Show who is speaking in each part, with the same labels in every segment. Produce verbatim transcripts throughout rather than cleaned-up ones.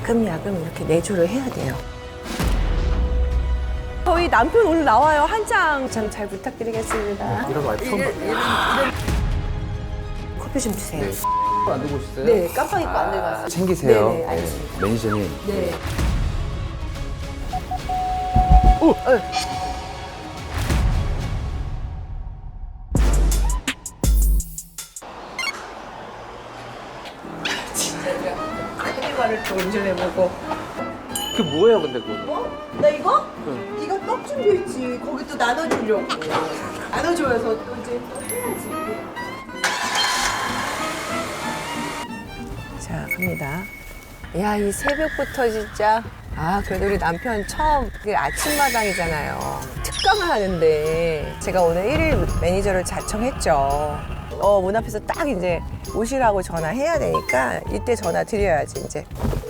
Speaker 1: 야금야금 이렇게 내조를 해야 돼요. 저희 남편 오늘 나와요. 한창 참 잘 부탁드리겠습니다.
Speaker 2: 이런 거 처음 봤어요.
Speaker 1: 커피 좀 주세요.
Speaker 2: 네. 안 두고 오셨어요?
Speaker 1: 네, 깜빡 잊고 안 들어갔어요.
Speaker 2: 챙기세요.
Speaker 1: 네네, 알겠습니다.
Speaker 2: 네, 매니저님.
Speaker 1: 네.
Speaker 2: 오!
Speaker 1: 어. 카니발을 또 운전해보고.
Speaker 2: 그 뭐예요, 근데 그거?
Speaker 1: 어? 나 이거?
Speaker 2: 응.
Speaker 1: 이거 떡 준비했지. 거기 또 나눠주려고. 나눠줘서 또 이제 또 해야지. 자, 갑니다. 야, 이 새벽부터 진짜. 아, 그래도 우리 남편 처음 그게 아침마당이잖아요. 특강을 하는데 제가 오늘 일일 매니저를 자청했죠. 어, 문 앞에서 딱 이제 오시라고 전화해야 되니까 이때 전화 드려야지, 이제.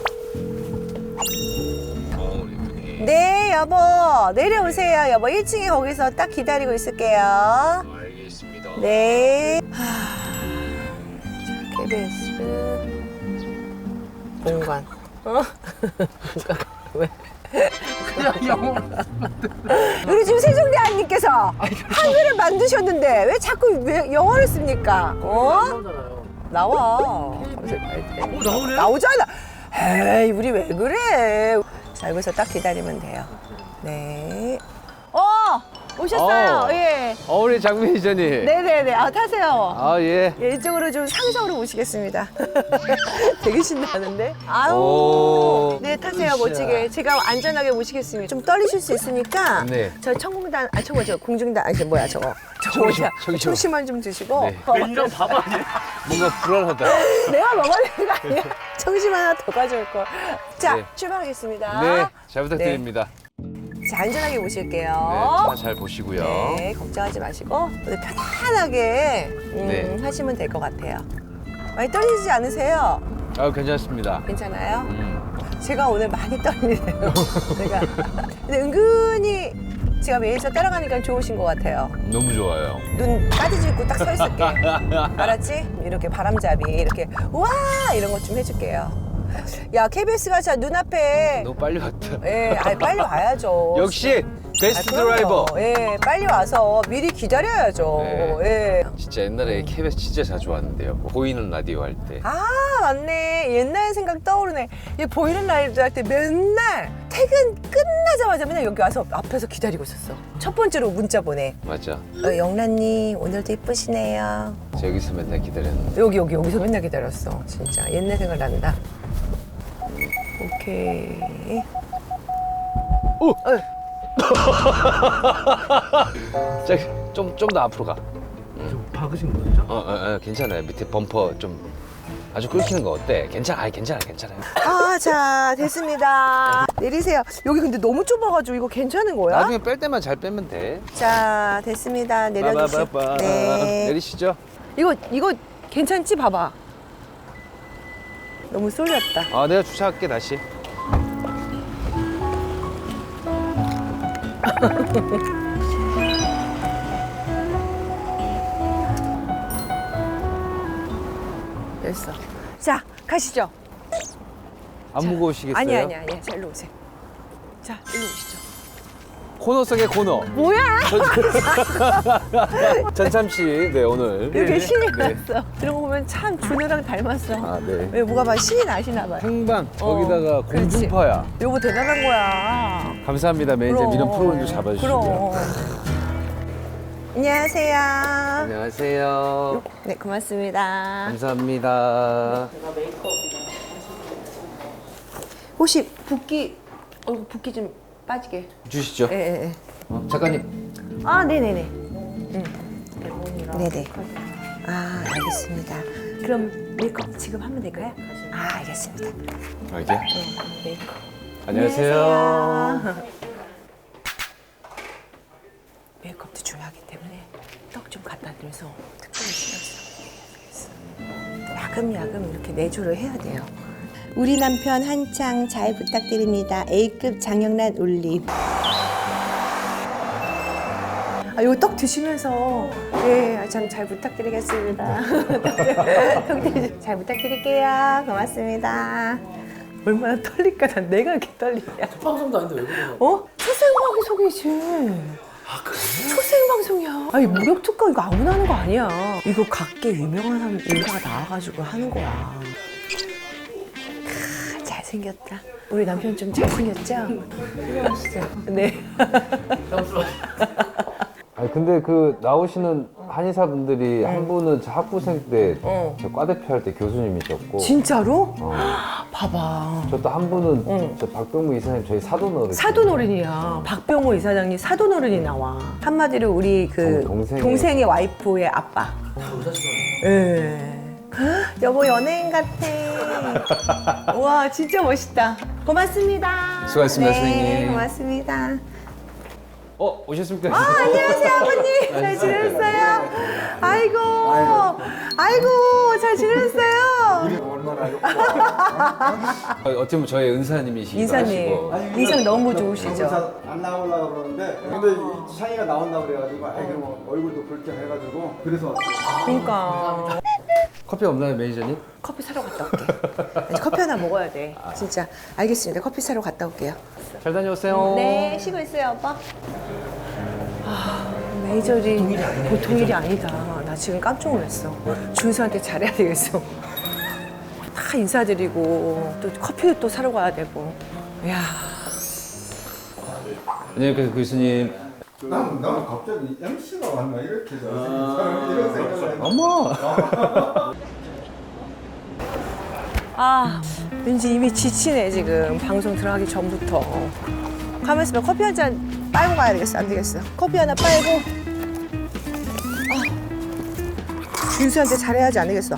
Speaker 1: 네, 여보. 내려오세요, 여보. 일 층에 거기서 딱 기다리고 있을게요.
Speaker 3: 알겠습니다.
Speaker 1: 네. 하... 자, 케이비에스 본관. 어? 왜?
Speaker 2: 그냥 영어.
Speaker 1: 우리 지금 세종대왕님께서 한글을 만드셨는데 왜 자꾸 왜 영어를 씁니까? 어? 나와.
Speaker 2: 오, 나오네?
Speaker 1: 나오잖아. 에이, 우리 왜 그래? 자, 여기서 딱 기다리면 돼요. 네. 어! 오셨어요.
Speaker 2: 어.
Speaker 1: 예.
Speaker 2: 어, 우리 장 매니저님.
Speaker 1: 네네네. 아, 타세요.
Speaker 2: 아, 예.
Speaker 1: 예, 이쪽으로 좀 상성으로 모시겠습니다. 되게 신나는데? 아유.
Speaker 2: 오.
Speaker 1: 네, 타세요,
Speaker 2: 으쌰.
Speaker 1: 멋지게. 제가 안전하게 모시겠습니다. 좀 떨리실 수 있으니까.
Speaker 2: 네.
Speaker 1: 저 청공단, 아, 저거, 저 공중단, 아니, 저 뭐야, 저거. 저거
Speaker 2: 청심,
Speaker 1: 뭐야.
Speaker 2: 청심.
Speaker 1: 청심환 좀 드시고.
Speaker 2: 네.
Speaker 1: 어,
Speaker 4: 매니저 바보 아니에요?
Speaker 2: 뭔가 불안하다.
Speaker 1: 내가 먹어야 되는 거 아니야? 청심 하나 더 가져올걸. 자,
Speaker 2: 네.
Speaker 1: 출발하겠습니다.
Speaker 2: 네, 잘 부탁드립니다.
Speaker 1: 자, 안전하게
Speaker 2: 네,
Speaker 1: 모실게요.
Speaker 2: 차 잘 보시고요.
Speaker 1: 네, 걱정하지 마시고 오늘 편안하게 음,
Speaker 2: 네.
Speaker 1: 하시면 될 것 같아요. 많이 떨리지 않으세요?
Speaker 2: 아, 괜찮습니다.
Speaker 1: 괜찮아요?
Speaker 2: 음.
Speaker 1: 제가 오늘 많이 떨리네요. 제가 근데 은근히 제가 매니저 따라가니까 좋으신 것 같아요.
Speaker 2: 너무 좋아요.
Speaker 1: 눈 따지짓고 딱 서 있을게. 알았지? 이렇게 바람잡이 이렇게 와 이런 것 좀 해줄게요. 야 케이비에스가 자 눈앞에
Speaker 2: 너무 빨리 왔다.
Speaker 1: 예, 아니, 빨리 와야죠.
Speaker 2: 역시 베스트
Speaker 1: 아, 그럼요.
Speaker 2: 드라이버.
Speaker 1: 예, 빨리 와서 미리 기다려야죠.
Speaker 2: 네.
Speaker 1: 예.
Speaker 2: 진짜 옛날에 케이비에스 진짜 자주 왔는데요. 보이는 라디오 할 때.
Speaker 1: 아, 맞네. 옛날 생각 떠오르네. 이 보이는 라이브 할 때 맨날 퇴근 끝나자마자 맨날 여기 와서 앞에서 기다리고 있었어. 첫 번째로 문자 보내.
Speaker 2: 맞아.
Speaker 1: 어, 영란님, 오늘도 이쁘시네요.
Speaker 2: 저 여기서 맨날 기다렸는데.
Speaker 1: 여기, 여기, 여기서 맨날 기다렸어. 진짜. 옛날 생각 난다. 오케이.
Speaker 2: 오!
Speaker 1: 어.
Speaker 2: 저기 좀 좀 더 앞으로 가.
Speaker 4: 좀 박으신 거죠?
Speaker 2: 어, 어, 어, 괜찮아요. 밑에 범퍼 좀 아주 끓이는 거 어때? 괜찮아, 아이, 괜찮아, 괜찮아요.
Speaker 1: 아, 자, 됐습니다. 내리세요. 여기 근데 너무 좁아가지고 이거 괜찮은 거야?
Speaker 2: 나중에 뺄 때만 잘 빼면 돼.
Speaker 1: 자, 됐습니다. 내려주세요.
Speaker 2: 빠바바바.
Speaker 1: 네.
Speaker 2: 내리시죠.
Speaker 1: 이거, 이거 괜찮지? 봐봐. 너무 쏠렸다.
Speaker 2: 아, 내가 주차할게 다시.
Speaker 1: 됐어. 자, 가시죠.
Speaker 2: 안 무거우시겠어요?
Speaker 1: 아니, 아니, 아니. 자, 일로 오세요. 자, 일로 오시죠.
Speaker 2: 코너 속의 코너.
Speaker 1: 뭐야?
Speaker 2: 전참 씨, 네 오늘.
Speaker 1: 이렇게 신이
Speaker 2: 네.
Speaker 1: 났어. 이런 거 보면 참 준우랑 닮았어.
Speaker 2: 아, 네.
Speaker 1: 왜 뭐가 막 신이 나시나 봐요.
Speaker 2: 행방
Speaker 1: 어,
Speaker 2: 거기다가
Speaker 1: 그렇지.
Speaker 2: 공중파야.
Speaker 1: 요거 대단한 거야.
Speaker 2: 감사합니다 매니저
Speaker 1: 그럼.
Speaker 2: 이런 프로그램도 잡아주시고요.
Speaker 1: 그럼. 안녕하세요.
Speaker 2: 안녕하세요.
Speaker 1: 네, 고맙습니다.
Speaker 2: 감사합니다.
Speaker 1: 혹시 붓기, 얼굴 붓기 좀 빠지게.
Speaker 2: 주시죠.
Speaker 1: 예, 예, 예.
Speaker 2: 어, 작가님.
Speaker 1: 아, 네네네. 음. 네네. 아, 알겠습니다. 그럼 메이크업 지금 하면 될까요? 아, 알겠습니다.
Speaker 2: 아, 이제?
Speaker 1: 네, 메이크업.
Speaker 2: 안녕하세요.
Speaker 1: 안녕하세요. 메이크업도 중요하기 때문에 떡 좀 갖다 드려서 특별히 신경 쓰고 야금야금 이렇게 내조를 해야 돼요. 우리 남편 한창 잘 부탁드립니다. A급 장영란 올림. 아, 이거 떡 드시면서 네, 참 잘 부탁드리겠습니다. 떡 잘 부탁드릴게요. 고맙습니다. 얼마나 떨릴까? 난 내가 이렇게 떨리냐.
Speaker 4: 방송도 아닌데 왜 그러냐?
Speaker 1: 어? 초생방송이지.
Speaker 4: 아 그래?
Speaker 1: 초생방송이야. 아니 무력 특강 이거 아무나 하는 거 아니야. 이거 각계 유명한 사람 인사가 나와가지고 하는 거야. 크, 잘생겼다. 우리 남편 좀 잘생겼죠? 훌륭하시죠? 네.
Speaker 2: 아니 근데 그 나오시는 한의사 분들이 한 분은 저 학부생 때
Speaker 1: 어.
Speaker 2: 저 과대표 할 때 교수님이셨고
Speaker 1: 진짜로?
Speaker 2: 어.
Speaker 1: 봐봐.
Speaker 2: 저 또 한 분은
Speaker 1: 응.
Speaker 2: 저 박병무 이사님 저희 사돈 어른
Speaker 1: 사돈어른이야. 박병호 이사장님 사돈어른이 나와. 한마디로 우리 그
Speaker 2: 동- 동생의-
Speaker 1: 동생의 와이프의 아빠.
Speaker 4: 다 의사시잖아.
Speaker 1: 예. 여보 연예인 같아. 와 진짜 멋있다. 고맙습니다.
Speaker 2: 수고하셨습니다,
Speaker 1: 네,
Speaker 2: 선생님.
Speaker 1: 고맙습니다.
Speaker 2: 어 오셨습니까?
Speaker 1: 아, 안녕하세요 아버님. 잘 지내셨어요? 아이고, 아이고 잘 지내셨어요?
Speaker 2: 어, 어떻게 보면 저희 은사님이시기도
Speaker 1: 인사님
Speaker 2: 하시고
Speaker 1: 인상 너무 좋으시죠?
Speaker 3: 안 나오려고 그러는데 근데 이 창의가 나온다고 그래가지고 아이 그러면 얼굴도 볼 겸 해가지고 그래서 왔어요.
Speaker 1: 그러니까
Speaker 2: 커피 없나요 매니저님?
Speaker 1: 커피 사러 갔다 올게. 이제 커피 하나 먹어야 돼. 진짜 알겠습니다. 커피 사러 갔다 올게요.
Speaker 2: 잘 다녀오세요.
Speaker 1: 네, 쉬고 있어요, 오빠. 아, 메이저리 보통 일이 아니다. 나 지금 깜짝 놀랐어. 준수한테 잘해야 되겠어. 다 인사드리고 또 커피도 또 사러 가야 되고. 이야.
Speaker 2: 안녕하세요 교수님.
Speaker 3: 난, 나는 갑자기 엠씨가 왔나 이렇게 잘생긴 사람 이런 생각을 했는데
Speaker 2: 어머.
Speaker 1: 아, 왠지 이미 지치네, 지금. 방송 들어가기 전부터. 가만 있으면 커피 한 잔 빨고 가야 되겠어. 안 되겠어. 커피 하나 빨고. 아, 준수한테 잘해야지 안 되겠어.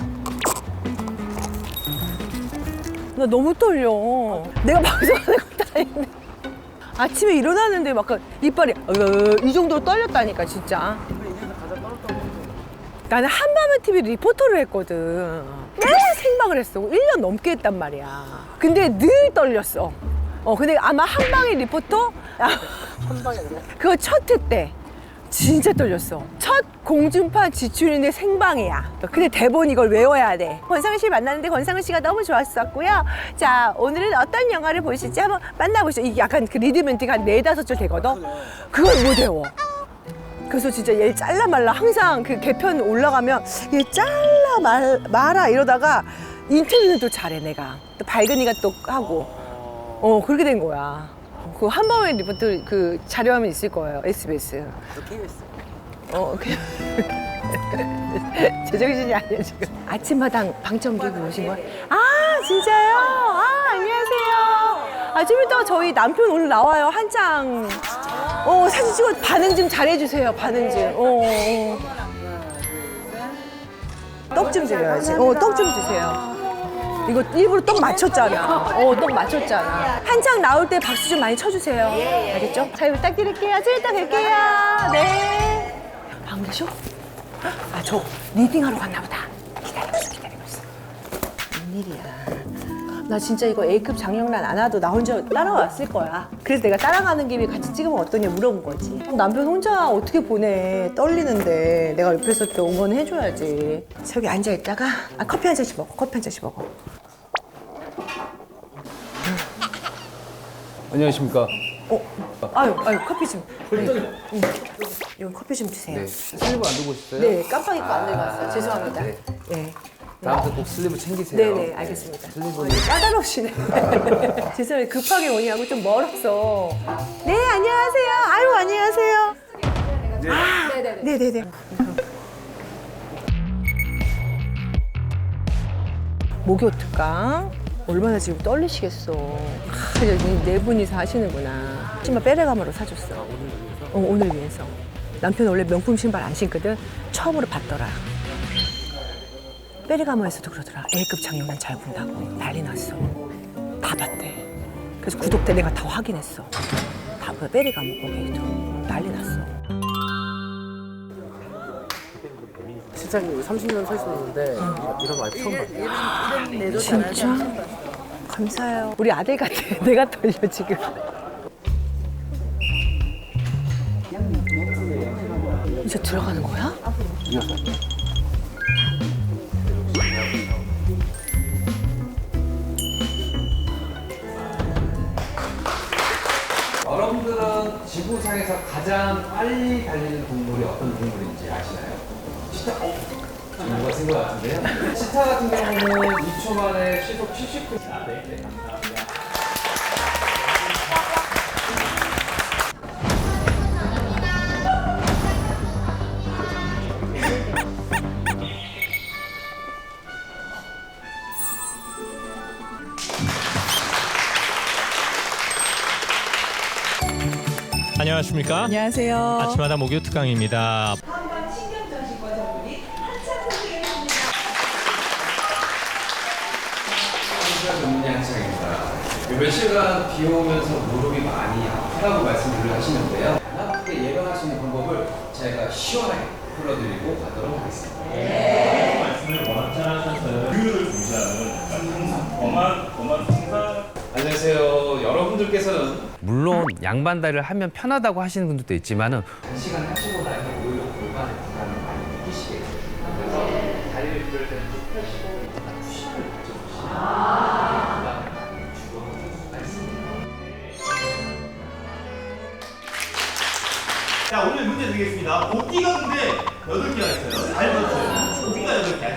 Speaker 1: 나 너무 떨려. 내가 방송하는 것도 아닌데. 아침에 일어나는데 막 이빨이 이 정도로 떨렸다니까, 진짜. 나는 한밤의 티비 리포터를 했거든. 매일 생방을 했어. 일 년 넘게 했단 말이야. 근데 늘 떨렸어. 어, 근데 아마 한방의 리포터? 한방이 아니라? 그거 첫 회 때. 진짜 떨렸어. 첫 공중파 지출인데 생방이야. 근데 대본 이걸 외워야 돼. 권상우 씨 만났는데 권상우 씨가 너무 좋았었고요. 자, 오늘은 어떤 영화를 보실지 한번 만나보시죠. 이게 약간 그 리드멘트가 한 네다섯 줄 되거든? 그걸 못 외워. 그래서 진짜 얘 잘라 말라 항상 그 개편 올라가면 얘 잘라 말, 말아 이러다가 인터뷰는 또 잘해 내가 또 발근이가 또 하고 어 그렇게 된 거야. 그 한밤의 리포트 그 자료화면 있을 거예요 에스비에스. 어 그. 제정신이 아니야 지금. 아침마당 방청 들고 오신 거야? 아 진짜요? 아 안녕하세요. 아 좀 이따 저희 남편 오늘 나와요 한창. 어 사진 찍어 반응 좀 잘해주세요 반응 좀. 어, 어. 떡 좀 드려야지. 어 떡 좀 주세요. 이거 일부러 떡 맞췄잖아. 어 떡 맞췄잖아. 한창 나올 때 박수 좀 많이 쳐주세요. 알겠죠? 잘 부탁드릴게요. 좀 이따 뵐게요. 네. 안 계셔? 아 저 리딩하러 갔나 보다. 기다리고 있어 기다리고 있어. 웬일이야. 나 진짜 이거 A급 장영란 안 와도 나 혼자 따라왔을 거야. 그래서 내가 따라가는 김에 같이 찍으면 어떠냐 물어본 거지. 남편 혼자 어떻게 보내. 떨리는데 내가 옆에서 또 응원해줘야지. 저기 앉아있다가 아, 커피 한 잔씩 먹어. 커피 한 잔씩 먹어.
Speaker 2: 안녕하십니까.
Speaker 1: 어? 아유, 아유 커피 좀. 네. 응. 여기 커피 좀 주세요.
Speaker 2: 네. 슬리브 안 들고 오셨어요?
Speaker 1: 네, 깜빡 잊고 안 들고 왔어요.
Speaker 2: 아,
Speaker 1: 죄송합니다.
Speaker 2: 네.
Speaker 1: 네.
Speaker 2: 다음부터 꼭 슬리브 챙기세요.
Speaker 1: 네네, 알겠습니다.
Speaker 2: 슬리브는
Speaker 1: 까다롭시네. 죄송해요. 급하게 오냐고 좀 멀었어. 네, 안녕하세요. 아유, 안녕하세요. 아, 네네네. 목요 특강. 얼마나 지금 떨리시겠어. 아, 네 분이서 하시는구나. 신발 빼레가마로 사줬어. 어, 오늘 위해서. 남편 원래 명품 신발 안 신거든. 처음으로 봤더라. 빼레가마에서도 그러더라. A급 장영란 잘 본다고 난리 났어. 다 봤대. 그래서 구독대 내가 다 확인했어. 다 그 빼레가마 거기도 난리 났어.
Speaker 4: 실장님 삼십 년 서 있었는데 이런 말 처음 봤어요.
Speaker 1: 진짜? 감사해요. 우리 아들 같아. 내가 떨려 지금. 이제 들어가는 거야?
Speaker 2: 지구상에서 가장 빨리 달리는 동물이 어떤 동물인지 아시나요? 치타? 어? 정보가 쓴 것 같은데요? 치타 같은 경우는 이 초 만에 시속 칠십 킬로미터. 아, 네, 네, 감사합니다.
Speaker 5: 안녕하십니까?
Speaker 1: 안녕하세요.
Speaker 5: 아침마다 목요 특강입니다.
Speaker 2: 전문의 한창입니다. 요 며칠간 비 오면서 무릎이 많이 아프다고 말씀을 하시는데요. 안 아프게 예방할 수 있는 방법을 제가 시원하게 풀어드리고 가도록 하겠습니다.
Speaker 6: 말씀을 워낙 잘하셔서요. 규율을 중시하는 항상 엄한 엄한 항상
Speaker 2: 안녕하세요. 여러분들께서는 물론 양반다리를 하면 편하다고 하시는 분들도 있지만은 단시간 하시고 나면 오히려 골반에 부담을 많이 느끼시게 돼요. 그래서 다리를 그럴 때는 쭉 펴시고 쿠션을 가져보시면 부담을 많이 줄여줄 수가 있습니다.
Speaker 6: 자, 오늘 문제 드리겠습니다. 복귀가 근데 여덟 개가 있어요. 잘 들었어요. 복귀가 여덟 개.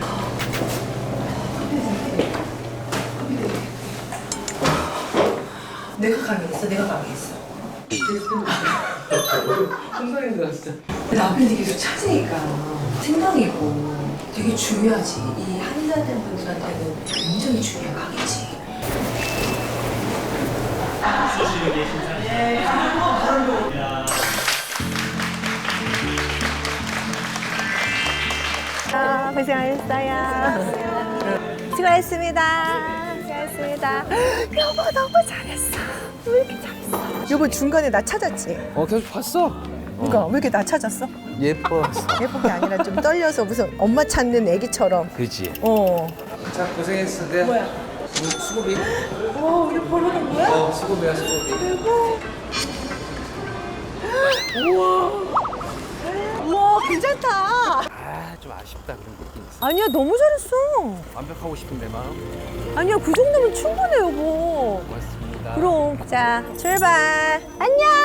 Speaker 1: 내가 강의했어. 내가 강의했어.
Speaker 2: 손소리가 진짜.
Speaker 1: 남편이 계속 찾으니까 생각이고 되게 중요하지. 이 한의사된 분들한테는 굉장히 중요한 강의지.
Speaker 6: 소식을 계신다.
Speaker 1: 아, 고생하셨어요. 수고하셨습니다. 수고하셨습니다. 여보 너무 잘했어. 왜 이렇게 잘했어? 여보 중간에 나 찾았지?
Speaker 2: 어 계속 봤어.
Speaker 1: 그러니까 왜 이렇게 나 찾았어?
Speaker 2: 예뻐.
Speaker 1: 예쁜 게 아니라 좀 떨려서 무슨 엄마 찾는 애기처럼.
Speaker 2: 그렇지.
Speaker 1: 어.
Speaker 2: 자 고생했어. 네.
Speaker 1: 뭐야?
Speaker 2: 수고비.
Speaker 1: 어, 우리 보러 간 거야?
Speaker 2: 어 수고비야 수고비.
Speaker 1: 우와. 우와, 괜찮다.
Speaker 2: 아좀 아쉽다 그런 느낌 있어.
Speaker 1: 아니야, 너무 잘했어.
Speaker 2: 완벽하고 싶은데 마음.
Speaker 1: 아니야, 그 정도면 충분해, 여보.
Speaker 2: 고맙습니다.
Speaker 1: 그럼. 자, 출발. 안녕.